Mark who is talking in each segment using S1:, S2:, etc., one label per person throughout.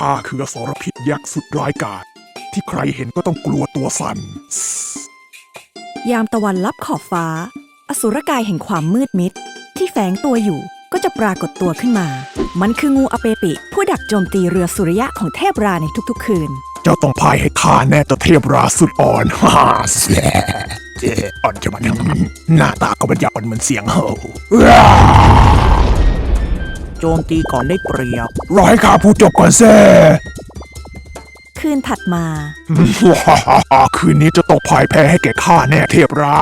S1: ข้าคืออสรพิษยักษ์สุดร้ายกาจที่ใครเห็นก็ต้องกลัวตัวสั่น
S2: ยามตะวันลับขอบฟ้าอสุรกายแห่งความมืดมิดที่แฝงตัวอยู่ก็จะปรากฏตัวขึ้นมามันคืองูอเปปิผู้ดักโจมตีเรือสุริยะของเทพราในทุกๆคืน
S1: เจ้าต้องพายให้ข้าแน่เจ้าเทพราสุดอ่อนฮ่าแสอ่อนจะมันหน้าตาก็มันอยากอ่อนเหมือนเสียงเห่า
S3: โจมตีก่อนได้เปรียบ
S1: รอให้ข้าพูดจบก่อนแซ่
S2: คืนถัดมา
S1: คืนนี้จะต้องพ่ายแพ้ให้แก่ข้าแน่เทพรา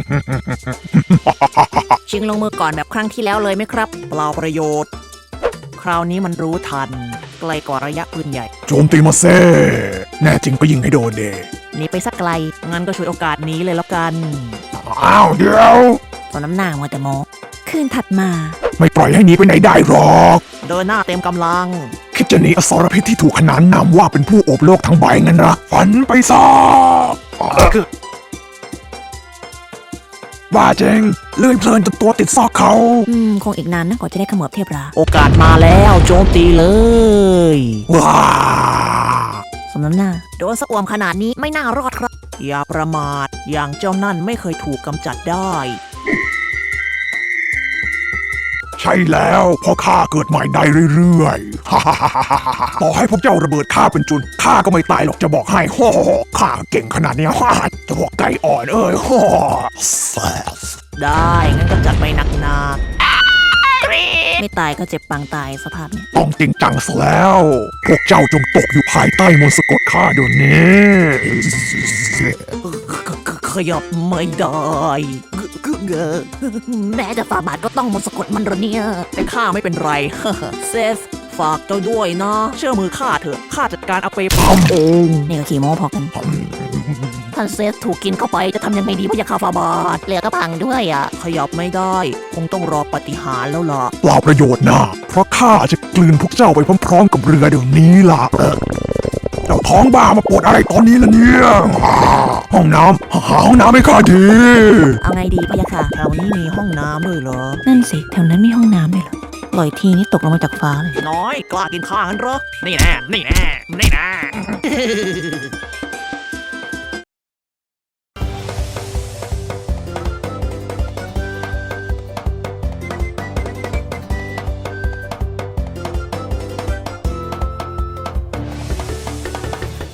S3: ชิงลงมือก่อนแบบครั้งที่แล้วเลยไหมครับเปล่าประโยชน์คราวนี้มันรู้ทันไกลกว่าระยะปืนใหญ่
S1: โจมตีมาเซ่แน่จริงก็ยิงให้โดนเด
S3: หนีไปสักไกลงั้นก็ช่วยโอกาสนี้เลยแล้วกัน
S1: อ้าวเดี๋ยว
S3: ตอนน้ำหน้ามัวแต่โม
S2: คืนถัดมา
S1: ไม่ปล่อยให้หนีไปไหนได้หรอก
S3: เดินหน้าเต็มกำลัง
S1: คิดจะหนีอสรพิษที่ถูกขนานนามว่าเป็นผู้โอบโลกทั้งใบงั้นนะฝันไปซะบ้าเจงเลื่อยเพลินจนตัวติดซอกเขา
S2: คงอีกนานนะกว่าจะได้ขมือบเทพรา
S3: โอกาสมาแล้วโจมตีเลย
S1: ว้า
S2: สมน้ำหน้า
S3: โดนสะอวมขนาดนี้ไม่น่ารอดครับอย่าประมาทอย่างเจ้านั่นไม่เคยถูกกำจัดได้
S1: ใช่แล้วเพราะข้าเกิดใหม่ได้เรื่อยๆต่อให้พวกเจ้าระเบิดข้าเป็นจุนข้าก็ไม่ตายหรอกจะบอกให้ข้าเก่งขนาดนี้จะบอกไก่อ่อน
S3: ได้งั้นก็จัดไปหนักไม่ตายก็เจ็บปางตายสภาพนี้
S1: ต้องจริงจังซะแล้วพวกเจ้าจงตกอยู่ภายใต้มนต์สะกดข้าเดี๋ยวนี้
S3: ขยับไม่ได้แม้จะฝ่าบาทก็ต้องมนต์สะกดมันหรอเนี่ยแต่ข้าไม่เป็นไรเซฟฝากเจ้าด้วยนะเชื่อมือข้าเถอะข้าจัดการเอาไปเผาเอง
S2: นี่ก็ขี่โม้พอกัน
S3: ท่านเซฟถูกกินเข้าไปจะทำยังไงดีพะยะค่ะฝ่าบาทเหลือก็พังด้วยอ่ะขยับไม่ได้คงต้องรอปาฏิหาริย์แล้วล่ะ
S1: เปล่าประโยชน์นะเพราะข้าจะกลืนพวกเจ้าไปพร้อมๆกับเรือเดี๋ยวนี้ล่ะเจ้าท้องบ้ามาปวดอะไรตอนนี้ล่ะเนี่ยห้องน้ำหาห้องน้ำให้ข้าที
S2: เอาไงดีพะยะค่ะ
S3: แถวนี้มีห้องน้ำด้วยเหรอ
S2: นั่นสิแถวนั้นมีห้องน้ำด้วยเหรอปล่อยทีนี่ตกลงมาจากฟ้าเลย
S3: น้อยกล้ากินข้างั้นเหรอนี่แน่